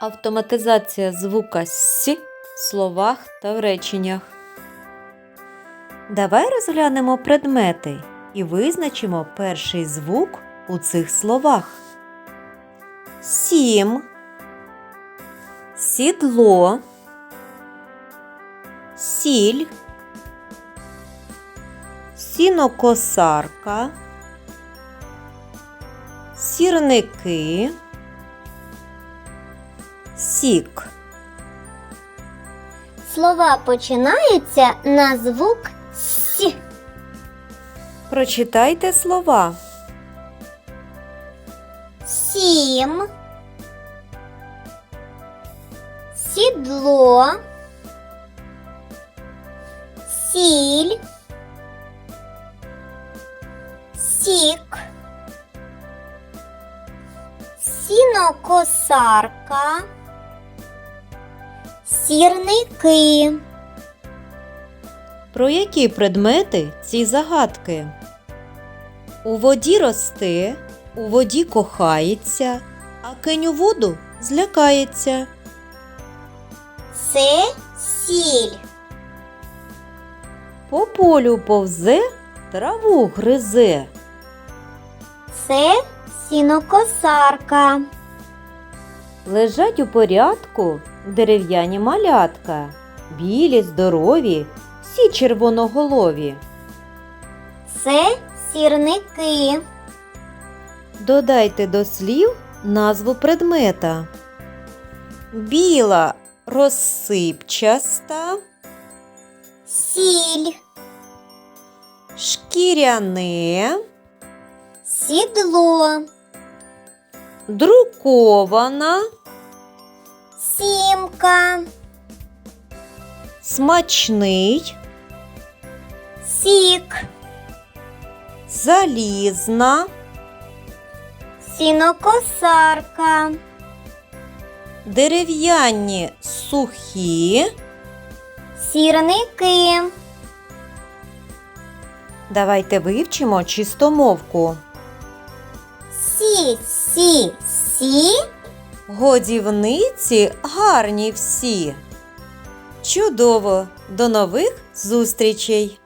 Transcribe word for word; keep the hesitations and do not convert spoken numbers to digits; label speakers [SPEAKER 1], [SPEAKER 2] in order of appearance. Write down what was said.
[SPEAKER 1] Автоматизація звука «с» в словах та в реченнях. Давай розглянемо предмети і визначимо перший звук у цих словах. Сім, сідло, сіль, сінокосарка, сірники, сік.
[SPEAKER 2] Слова починаються на звук «с».
[SPEAKER 1] Прочитайте слова.
[SPEAKER 2] Сім, сідло, сіль, сік, сінокосарка, сірники.
[SPEAKER 1] Про які предмети ці загадки? У воді росте, у воді кохається, а кинь у воду злякається.
[SPEAKER 2] Це сіль.
[SPEAKER 1] По полю повзе, траву гризе.
[SPEAKER 2] Це сінокосарка.
[SPEAKER 1] Лежать у порядку дерев'яні малятка, білі, здорові, всі червоноголові.
[SPEAKER 2] Це сірники.
[SPEAKER 1] Додайте до слів назву предмета. Біла, розсипчаста,
[SPEAKER 2] Сіль,
[SPEAKER 1] шкіряне,
[SPEAKER 2] сідло,
[SPEAKER 1] друкована,
[SPEAKER 2] сімка,
[SPEAKER 1] смачний,
[SPEAKER 2] сік,
[SPEAKER 1] залізна,
[SPEAKER 2] сінокосарка,
[SPEAKER 1] дерев'яні, сухі.
[SPEAKER 2] сірники.
[SPEAKER 1] Давайте вивчимо чистомовку.
[SPEAKER 2] Сі, сі, сі.
[SPEAKER 1] Годівниці гарні всі. Чудово! До нових зустрічей!